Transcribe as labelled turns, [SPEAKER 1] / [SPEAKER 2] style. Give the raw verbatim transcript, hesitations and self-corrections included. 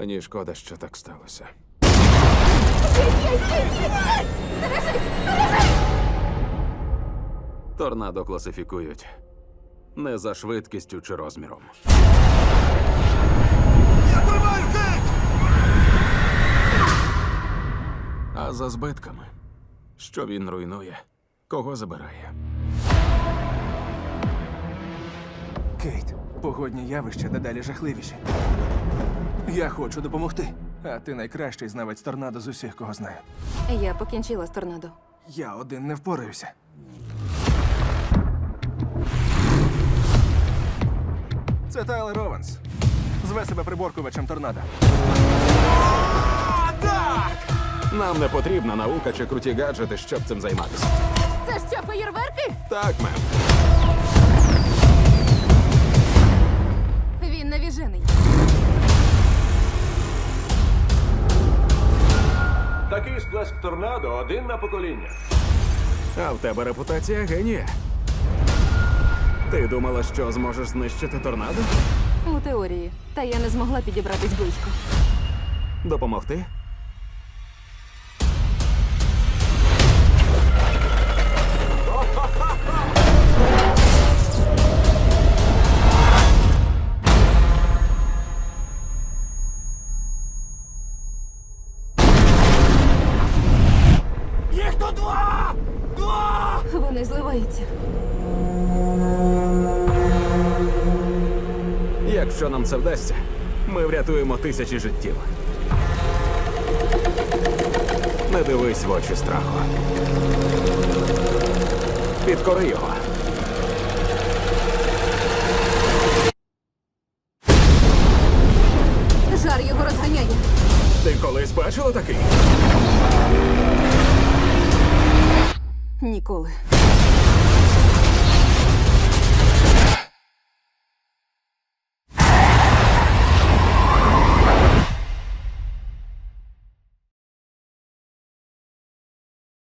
[SPEAKER 1] Мені шкода, що так сталося. Торнадо класифікують не за швидкістю чи розміром.
[SPEAKER 2] Я тримаю, Кейт!
[SPEAKER 1] А за збитками. Що він руйнує, кого забирає.
[SPEAKER 2] Кейт, погодні явища дедалі жахливіші. Я хочу допомогти. А ти найкращий знавець торнадо з усіх, кого знаю.
[SPEAKER 3] Я покінчила з торнадо.
[SPEAKER 2] Я один не впораюся. Це Тайлер Ованс. Зве себе приборкувачем торнадо.
[SPEAKER 1] Нам не потрібна наука чи круті гаджети, щоб цим займатися.
[SPEAKER 3] Це що, феєрверки?
[SPEAKER 1] Так, мем.
[SPEAKER 3] Він навіжений.
[SPEAKER 4] Такий сплеск торнадо один на покоління.
[SPEAKER 1] А в тебе репутація генія. Ти думала, що зможеш знищити торнадо?
[SPEAKER 3] У теорії. Та я не змогла підібратись близько.
[SPEAKER 1] Допомогти?
[SPEAKER 2] Їх тут два! Два!
[SPEAKER 3] Вони зливаються.
[SPEAKER 1] Якщо нам це вдасться, ми врятуємо тисячі життів. Не дивись в очі страху. Підкори його.
[SPEAKER 3] Жар його розганяє.
[SPEAKER 1] Ти колись бачила такий?
[SPEAKER 3] Ніколи.